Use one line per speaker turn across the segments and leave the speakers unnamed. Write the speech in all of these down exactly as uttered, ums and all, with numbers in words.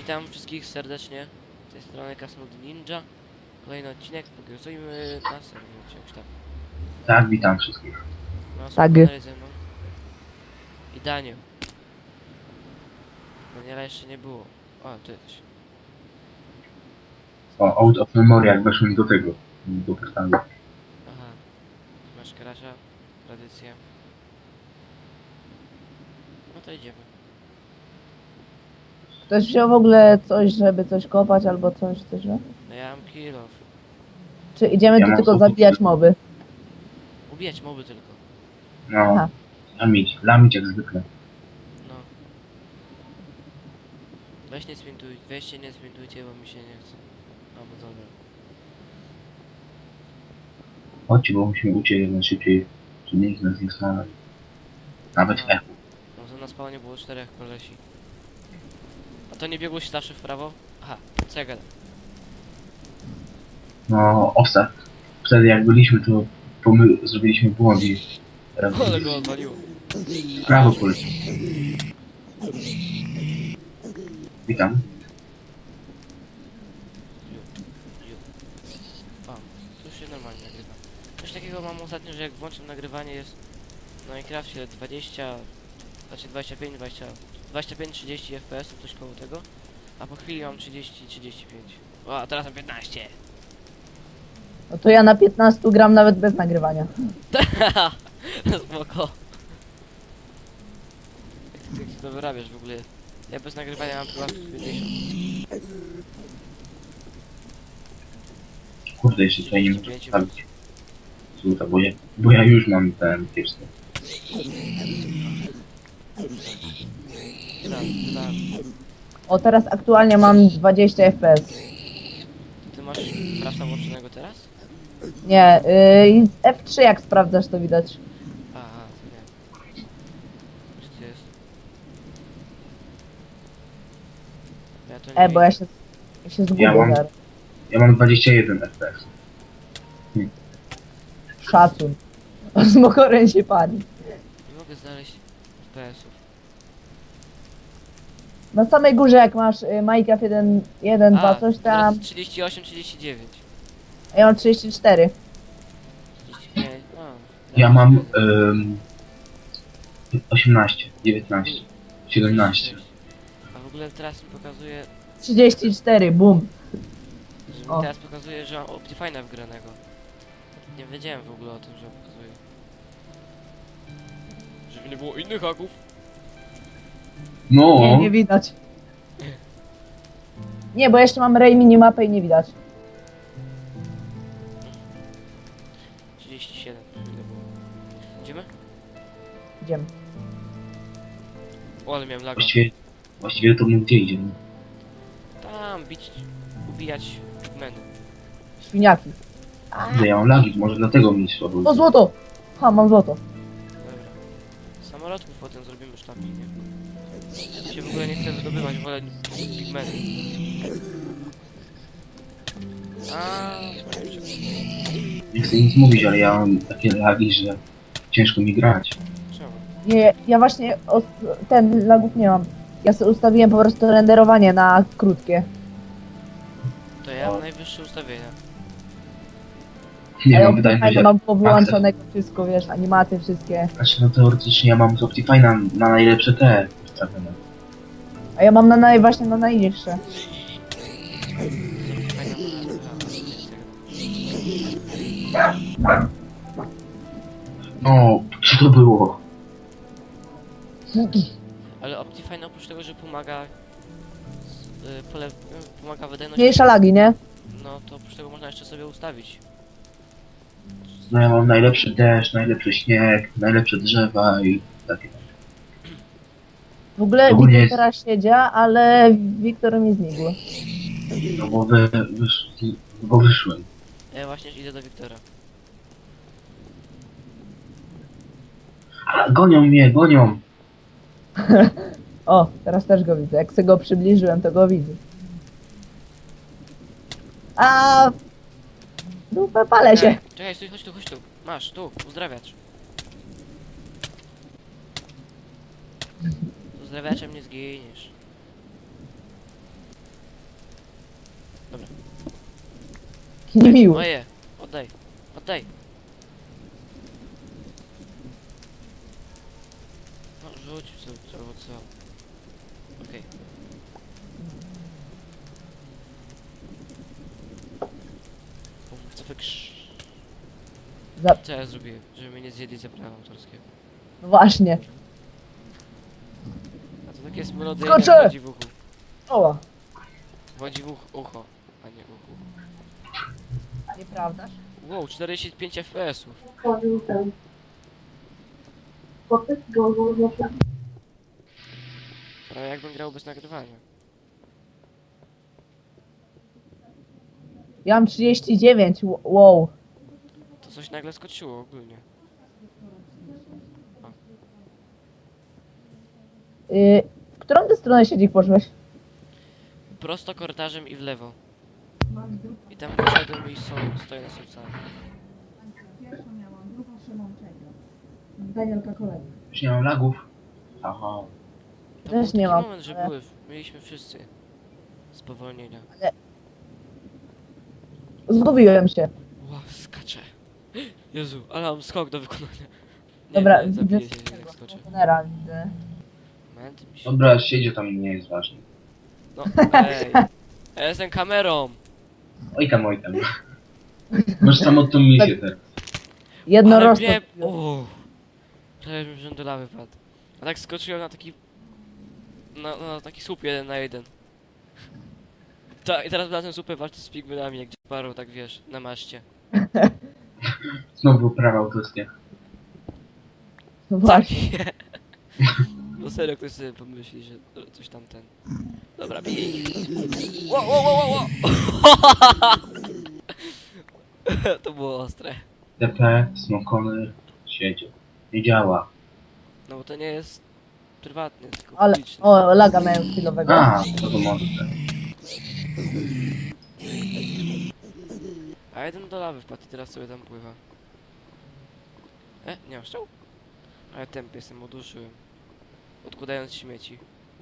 Witam wszystkich serdecznie. Z tej strony Krasnolud Ninja. Kolejny odcinek, pogrozujmy na serwisie już tak.
Tak, witam wszystkich.
No,
Tak.
wspólnie ze mną. I Daniel. Daniela jeszcze nie było. O, tu jesteś.
O, out of memory, jak weszłem do tego, do portalu.
Aha. Masz krasza, tradycja. No to idziemy.
Ktoś wziął w ogóle coś, żeby coś kopać albo coś, coś, nie?
No ja mam kill off.
Czy idziemy
Ja
tu
mam
tylko
złoto
zabijać
tylko.
moby?
Ubijać moby tylko.
No,
Aha.
lamić, lamić jak zwykle.
No. Weź nie zwintuj, weźcie nie zwintujcie, bo mi się nie chce. No bo dobra.
Chodźcie, bo musimy uciec jak najszybciej, żeby nikt nas nie znalazł. Nawet w echu.
No to na spawnie było czterech kolesi. A to nie biegłeś zawsze w prawo? Aha, co ja gadam?
No, ostat. Wtedy jak byliśmy, to pomy zrobiliśmy błąd i teraz
Ale go odwaliło.
w prawo poleciał. Witam.
Ju. O, to już się normalnie nagrywa. Coś takiego mam ostatnio, że jak włączam nagrywanie jest na Minecrafcie dwadzieścia, znaczy dwadzieścia pięć, dwadzieścia, dwadzieścia pięć trzydzieści F P S, coś koło tego. A po chwili mam trzydzieści trzydzieści pięć. O, a teraz mam piętnaście.
No to ja na piętnaście gram nawet bez nagrywania.
Spoko. Jak ty, jak ty to wyrabiasz w ogóle? Ja bez nagrywania mam chyba pięćdziesiąt.
Kurde, jeszcze tutaj nie muszę postawić. Słuchaj, bo ja, bo ja już mam ten pierwszy.
Tak, tak.
O, teraz aktualnie mam dwadzieścia F P S.
Ty masz krasa włączonego teraz?
Nie, yy, F trzy jak sprawdzasz to widać.
Aha, to nie. Gdzie to jest? Ja to nie
E, bo ja
widzę.
się, ja się zgubię
Ja mam-
zaraz.
Ja mam dwadzieścia jeden F P S.
Szacun. Smokoren się pali.
Nie mogę znaleźć F P S-ów.
Na samej górze jak masz y, Minecraft jeden, jeden, dwa, coś tam,
teraz trzydzieści osiem, trzydzieści dziewięć.
a ja mam trzydzieści cztery.
trzydzieści pięć, no.
Ja mam ym, osiemnaście, dziewiętnaście, siedemnaście.
A w ogóle teraz mi pokazuje,
trzydzieści cztery, bum.
że mi
O.
teraz pokazuje, że mam Optifine'a wgranego. Nie wiedziałem w ogóle o tym, że pokazuje. Żeby nie było innych haków.
No,
Nie, nie widać. Nie, bo jeszcze mam Ray minimapę i nie widać.
trzydzieści siedem. Ile było? Idziemy?
Idziemy.
O, ale miałem laga.
właściwie, właściwie to my gdzie idziemy?
Tam, bić, ubijać meny.
Świniaki.
Kurde, ja mam lagi, może dlatego mi słabo.
O, złoto! Ha, mam złoto.
Dobra. Samolotków potem zrobimy sztabki, nie? Mi się w ogóle nie chce wydobywać, wolę pigmeny. A,
Nie chcę nic mówić, ale ja mam takie lagi, że ciężko mi grać.
czemu?
Nie, ja właśnie os- ten lagów nie mam. Ja sobie ustawiłem po prostu renderowanie na krótkie.
To ja mam najwyższe ustawienia.
Nie
A ja
mam wydajność.
Optifine'a mam powyłączonego wszystko, wiesz, animacje wszystkie.
Znaczy, no teoretycznie ja mam z Optifine'a na najlepsze te ustawione.
A ja mam na naj, właśnie na najniższe.
No, co to było?
Ale Optifine oprócz tego, że pomaga y, pole, y, pomaga wydajność,
Mniejsza lagi, nie?
no to oprócz tego można jeszcze sobie ustawić.
No ja mam najlepszy deszcz, najlepszy śnieg, najlepsze drzewa i takie.
W ogóle
Ogólnie
Wiktor
jest-
teraz siedzia, ale Wiktor mi znikł.
No bo, wy, wysz, bo wyszłem.
Ja właśnie idę do Wiktora.
A, gonią mnie, gonią!
O, teraz też go widzę. Jak sobie go przybliżyłem, to go widzę. A dupę, palę się.
Ej, czekaj, stój, chodź tu, chodź tu. Masz, tu, uzdrawiacz. Z uzdrawiaczem nie zginiesz. Dobra.
Niemiły.
Moje! Oddaj! Oddaj! No rzuć co, co, co. Okej. Bum, co wy krz...
Za...
Co ja zrobiłem? Żeby mnie nie zjedli za prawa autorskie.
No właśnie.
A to takie jest melodia,
Skoczę!
jak wchodzi w uchu.
O,
Wchodzi w uch, ucho, a nie uchu.
nieprawdaż?
Wow, czterdzieści pięć F P S-ów.
Tworzył ten chłopiec go znaczy
Prawie jakbym grał bez nagrywania.
Ja mam trzydzieści dziewięć, ł- wow.
To coś nagle skoczyło ogólnie.
Yy, w którą ty stronę siedzik poszłeś?
Prosto korytarzem i w lewo. I tam wyszedłem i są, stoję na sercach.
Pierwszą miałam, drugą Szymon Danielka kolejna.
Już nie mam lagów. Aha.
To
Też
był taki
nie mam,
moment, że
ale-
były, mieliśmy wszyscy spowolnienia.
Zgubiłem się.
Ła, skaczę. Jezu, ale mam skok do wykonania. Nie,
Dobra,
nie,
widzę
zabiję się, jak
tego
skoczę.
kontenera, widzę.
Moment, mi się...
Dobra, siedzie tam nie jest ważne.
No, ej. Ja jestem kamerą.
Oj tam, oj tam. Masz samotną misję teraz.
Ale
Jednorożce.
mnie... Uuu. Prawie bym wziął do lawy padł. A tak skoczyłem na taki... Na, na taki słup jeden na jeden. Ta, i teraz na ten słupę walczy z pigmenami, jak parą, tak wiesz, na maszcie.
Znowu prawa autorskie.
No właśnie.
Takie. No serio, ktoś sobie pomyśli, że to- coś tam ten... Dobra, bij. Ło, ło, ło, ło, ło. To było ostre.
T P, Smokony, siedzie. Nie działa.
No bo to nie jest prywatny, tylko
Ale,
publiczny.
o, laga miałem chwilowego.
A, to to może tak.
A jeden do lawy wpadł i teraz sobie tam pływa. E, nie mam strzał? Ale tępy jestem, uduszyłem. Odkładając śmieci.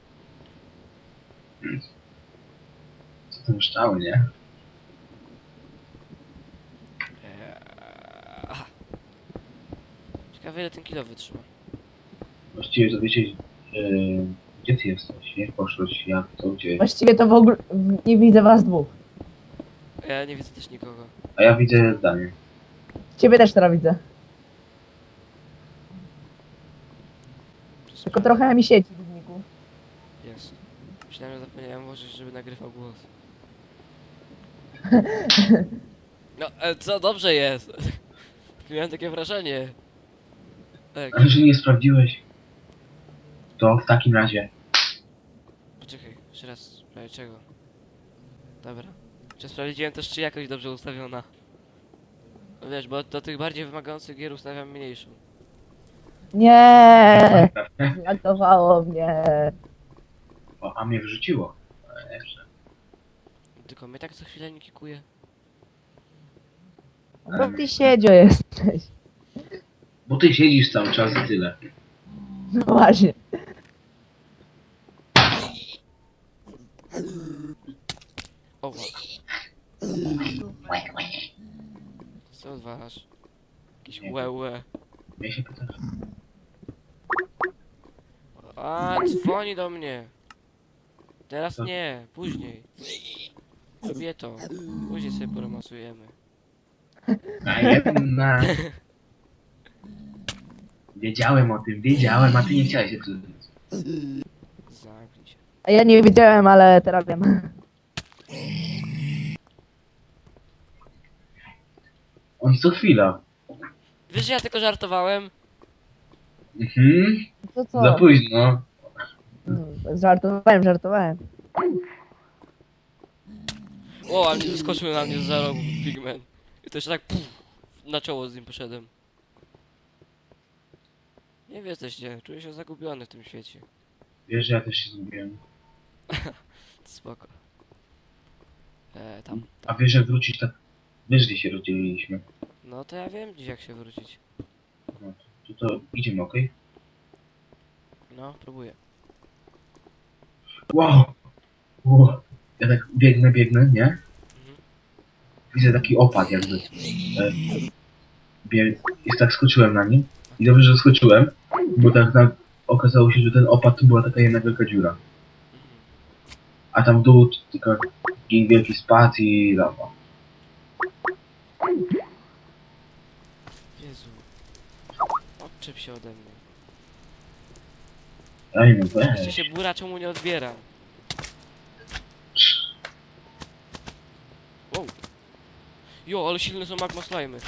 Co to szczały, nie?
Eee, aha. Ciekawe ile ten kilo wytrzyma.
Właściwie to wiecie, yy, gdzie ty jesteś, nie? Poszłeś, jak to, gdzie?
Właściwie to w ogóle w- nie widzę was dwóch.
Ja nie widzę też nikogo.
A ja widzę zdanie.
Ciebie też teraz widzę.
Przez
Tylko trochę mi sieci w zniku.
Jest. Myślałem, że zapomniałem włożyć, żeby nagrywał głos. No, e, co? Dobrze jest. Miałem takie wrażenie. Tak,
Ale że nie sprawdziłeś, to w takim razie.
poczekaj, jeszcze raz, prawie czego? Dobra. Czy sprawdziłem też, czy jakość dobrze ustawiona? No wiesz, bo do tych bardziej wymagających gier ustawiam mniejszą.
Nie, zlagowało mnie.
O, a mnie wrzuciło. Ale jeszcze.
Tylko mnie tak co chwilę nie kikuje.
Bo ty siedzio jesteś.
Bo ty siedzisz cały czas i tyle.
No właśnie.
O, wa- co odwalasz? Jakieś
Nie.
łe łe.
Ja się pytam.
A, dzwoni do mnie. Teraz
Co?
nie, później. Lubię to. Później sobie poromasujemy.
A jedna. Wiedziałem o tym, wiedziałem, a ty nie chciałeś się przyznać.
Zamknij się.
A ja nie wiedziałem, ale teraz wiem.
On co chwila.
Wiesz, że ja tylko żartowałem?
Mhm.
To co?
Za późno.
Mm, Żartowałem, żartowałem.
O, a mnie wyskoczył na mnie z za rogu pigment. I to jeszcze tak puf, na czoło z nim poszedłem. Nie wie jesteście, czuję się zagubiony w tym świecie.
Wiesz, że ja też się zgubiłem.
Spoko. E, tam,
A
tam.
wiesz, jak wrócić tak... Wiesz, gdzie się rozdzieliliśmy.
No to ja wiem dziś jak się wrócić.
No, to, to, to idziemy, okej?
No, próbuję.
Wow! wow! Ja tak biegnę, biegnę, nie? widzę taki opad jakby. E, bie- jest tak skoczyłem na nim i dobrze, że skoczyłem, bo tak na, okazało się, że ten opad to była taka jedna wielka dziura.
Mhm.
A tam w dół to tylko wielki spad i lawa.
Jezu. Odczep się ode mnie.
Ej no
Jeszcze
weź.
się bura czemu nie odbieram. Wow. Jo, ale silne są magma slimy.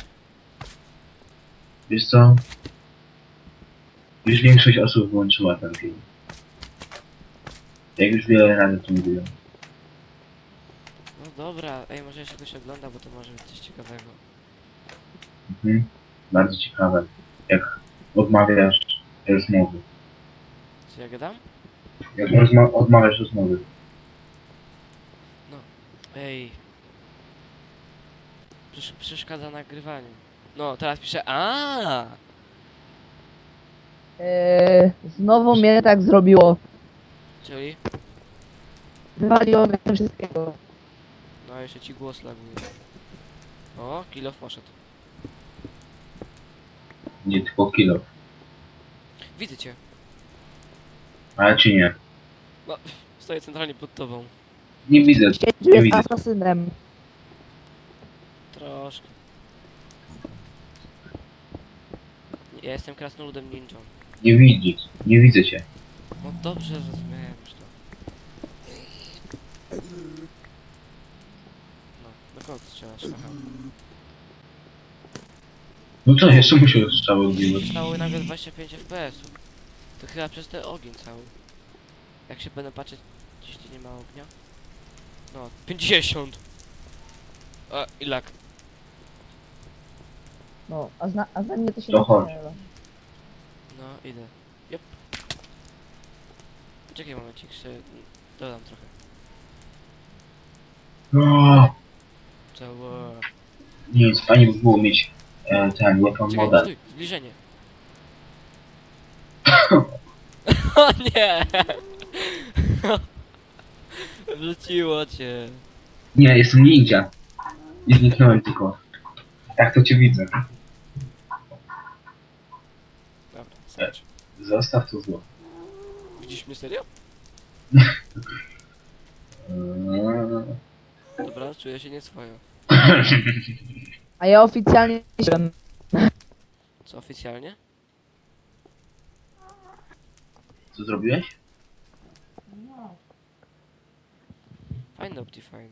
Wiesz co? Już większość osób wyłączyła ten film. Jak już wiele razy to mówiłem.
No dobra, ej, może jeszcze ktoś ogląda, bo to może być coś ciekawego.
Mhm. Bardzo ciekawe. Jak odmawiasz rozmowy.
Co ja gadam?
Jak rozma- odmawiasz rozmowy.
Ej. Przesz przeszkadza nagrywaniu. No, teraz piszę a.
Eee, znowu mnie tak zrobiło.
Czyli?
Wywaliło mnie wszystkiego.
No, jeszcze ci głos laguje. O, kilo poszedł.
Nie tylko kilo.
Widzę cię.
Ale czy nie?
No, stoję centralnie pod tobą.
Nie widzę.
Księciu
Nie
jest
widzę.
asasynem.
Troszkę. Ja jestem krasnoludem ninją.
Nie widzisz. Nie widzę cię.
No dobrze, zrozumiałem już to. No, do kogo strzelasz? Aha.
No co, jeszcze musiał strzały odbiwać.
Stało nagle dwadzieścia pięć F P S-ów. To chyba przez ten ogień cały. Jak się będę patrzeć, gdzieś tu nie ma ognia. No, pięćdziesiąt! A, i lak.
No, a, zna, a za mnie to się
To
nie
chodź.
strzela.
No, idę. Jop. Czekaj momencik, jeszcze dodam trochę.
No,
Całe...
nic, fajnie by było mieć e, ten weapon
Czekaj,
model.
stój, zbliżenie. O nie! Wrzuciło cię.
Nie, jestem ninja. Nie zniknąłem tylko. Tak to cię widzę.
Dobra, starczy.
Zostaw to zło.
Widzisz mnie serio?
Eee,
Dobra, czuję się nieswojo.
A ja oficjalnie jestem.
Co oficjalnie?
Co zrobiłeś?
Fajny Optifine.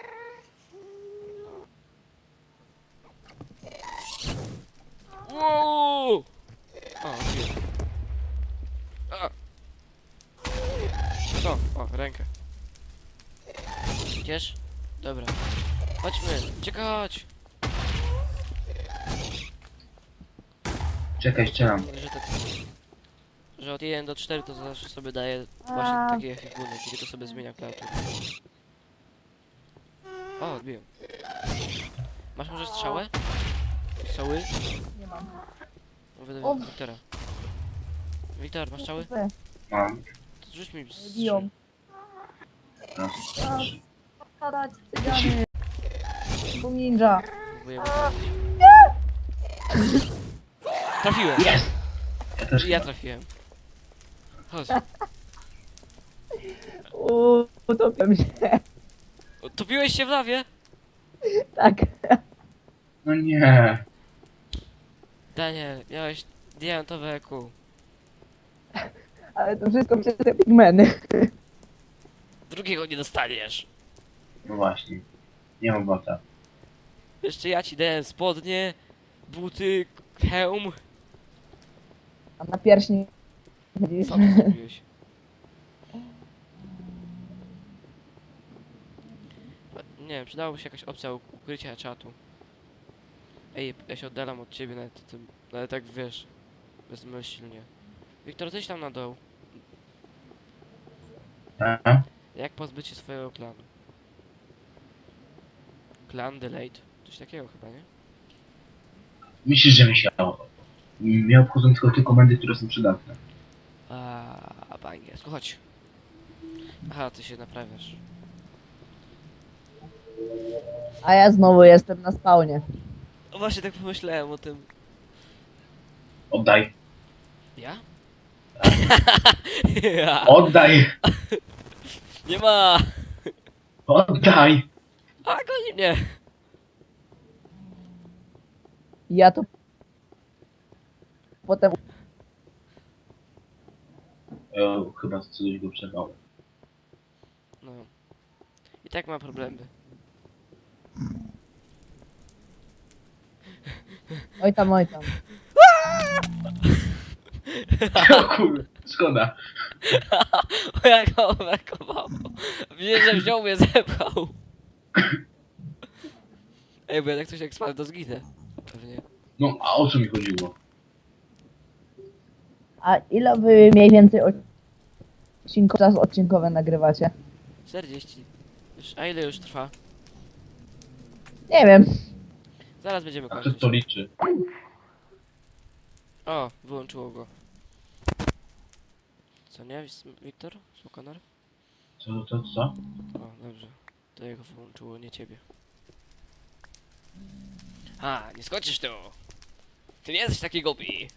Wow! O, odbiłem. A! Co? O, rękę. Idziesz? Dobra. Chodźmy, uciekać!
Czekaj, strzelam.
Że, to, że od jeden do czterech to zawsze sobie daje właśnie
A.
takie efikuny, kiedy to sobie zmienia klawiaturę. O, odbiłem. Masz może strzałę? Strzały?
Nie mam.
Mówię
O.
do Wiktora. Wiktor, masz strzały?
Mam.
To rzuć mi z
Biją.
Raz,
A,
trzy.
Spadać, cygany. Bo ninja.
Próbuję mu trafić. Trafiłem!
Jest! Ja też
I ja
chyba.
trafiłem. Chodź.
Uuu, utopiam się.
Topiłeś się w lawie?
Tak.
No nie.
Daniel, miałeś diamentowe E Q.
Ale to wszystko przez te pigmeny.
Drugiego nie dostaniesz.
No właśnie. Nie mam bota.
Jeszcze ja ci dałem spodnie, buty, hełm.
A na pierśni. Widzisz?
Co ty zrobiłeś? Nie wiem, przydałoby się jakaś opcja ukrycia czatu. Ej, ja się oddalam od ciebie nawet, tym, ale tak wiesz, bezmyślnie. Wiktor, zejdź tam na dół.
A?
Jak pozbyć się swojego klanu? Clan delayed? Coś takiego chyba, nie?
Myślisz, że myślał? Mnie obchodzą tylko te komendy, które są przydatne.
A po angielsku, chodź. Aha, ty się naprawiasz.
A ja znowu jestem na spawnie.
O, właśnie tak pomyślałem o tym.
Oddaj.
Ja? ja.
Oddaj!
Nie ma!
Oddaj!
A, goni mnie!
Ja to potem
O, chyba coś go przerwało.
No. I tak ma problemy.
oj tam, oj tam.
O kurde, szkoda.
O, jak go overkowało. Widzisz, że wziął mnie, zepchał. Ej, bo ja jak coś jak spadł, to zginę. Pewnie.
No, a o co mi chodziło?
A ile wy mniej więcej odcinków, czas odcinkowe nagrywacie?
czterdzieści. Już, a ile już trwa?
Nie wiem.
Zaraz będziemy
A kto
kończyć.
to liczy?
O, wyłączyło go. Co nie, Wis- Wiktor? Smokonar?
Co, co, co?
O, dobrze. To jego wyłączyło, nie ciebie. A, nie skoczysz tu! Ty nie jesteś taki głupi!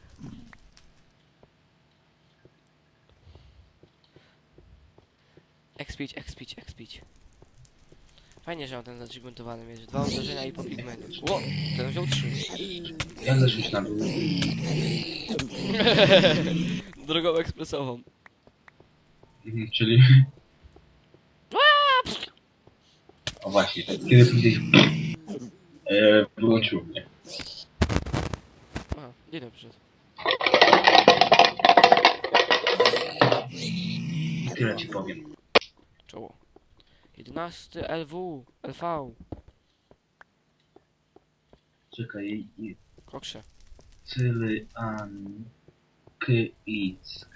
Expić, expić, expić. Fajnie, że on ten zacziguntowany mieć. Dwa uderzenia i po pigmenie. Ło! Ten wziął trzy.
Jak zeszłeś na dół?
Drogą ekspresową.
Mhm, czyli... O właśnie, kiedy powiedziałeś... E, wyłączyło mnie.
A, dzień dobry.
Tyle ci powiem.
Czoło. jedenasty L W. L V.
Czekaj, i...
Kokrze.
Cyly, an... K, ic...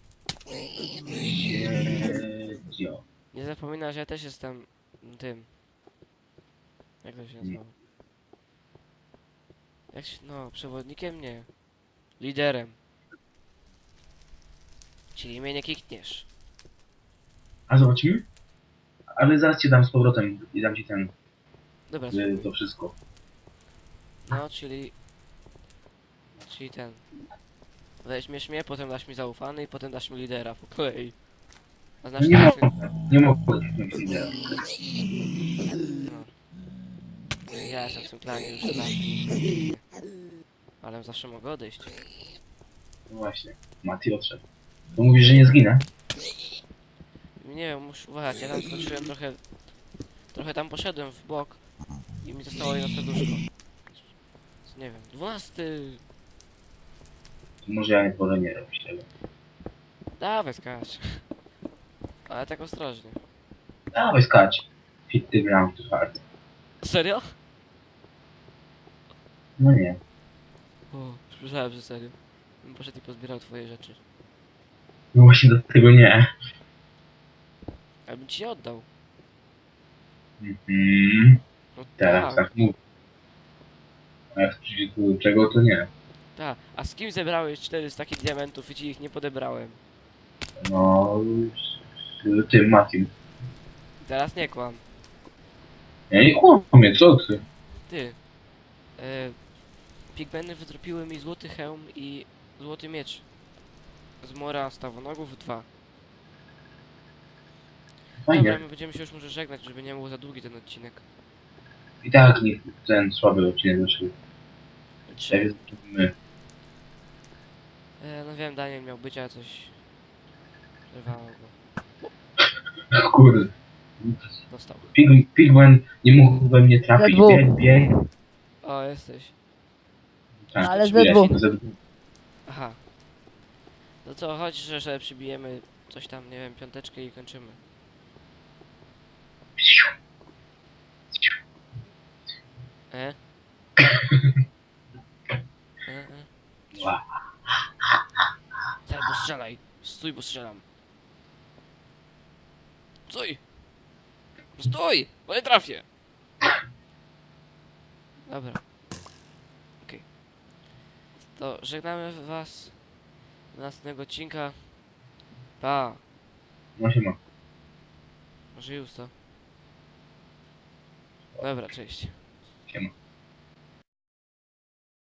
Siedzio.
Nie zapominaj, że ja też jestem tym. Jak to się nazywa? Jak się, no, przewodnikiem? Nie. Liderem. Czyli mnie nie kikniesz.
A zobaczymy? Ale zaraz ci dam z powrotem i dam ci ten...
Dobra,
y, to wszystko.
no, czyli... Czyli ten. Weźmiesz mnie, potem dasz mi zaufany i potem dasz mi lidera po kolei. A znasz
Nie
tak,
mogę, nie mogę wziąć lidera.
no. Ja jestem w tym klanie już od lat. Ale zawsze mogę odejść.
No właśnie, Mati odszedł. To mówisz, że nie zginę?
Nie wiem, muszę uważać, ja tam skoczyłem trochę... Trochę tam poszedłem w bok i mi zostało jedno serduszko. Nie wiem, dwunasty...
To może ja nie wolę nie robić tego.
Dawaj skacz. Ale tak ostrożnie.
Dawaj skacz. Hit the ground too hard.
Serio?
No nie.
O, słyszałem, że serio. Bym poszedł i pozbierał twoje rzeczy.
No właśnie do tego nie.
Ale bym ci je oddał.
Mhm.
No
Teraz
tak,
tak mów. A jak przyjdzie tu do czego, to nie.
tak. A z kim zebrałeś cztery z takich diamentów i ci ich nie podebrałem?
No... Z tym Matim.
Teraz nie kłam.
Ja nie kłamię, co ty?
Ty. E, Pigmeny wydropiły mi złoty hełm i złoty miecz. Z mora stawonogów dwa. Dobra,
Fajnie.
my będziemy się już może żegnać, żeby nie był za długi ten odcinek.
I tak niech ten słaby odcinek wyszedł. Tak
Trzy.
jest my.
E, no wiem, Daniel miał być, a coś... Przerwało go.
Kurde.
Dostał.
Pig, Pigman nie mógł we mnie trafić.
Ze dwóch.
Bieg, bieg.
O, jesteś.
Tak,
Ale ze
wiesz,
dwóch.
ze dwóch.
Aha. No co, chodź, że, że przybijemy coś tam, nie wiem, piąteczkę i kończymy. E? E, e.
Ła.
Daj, bo strzelaj. Stój, bo strzelam. Stój! Stój! Bo nie trafię! Dobra. Okej. To żegnamy was do następnego odcinka. Pa!
No się ma.
Może już to. Dobra, cześć.
Siema.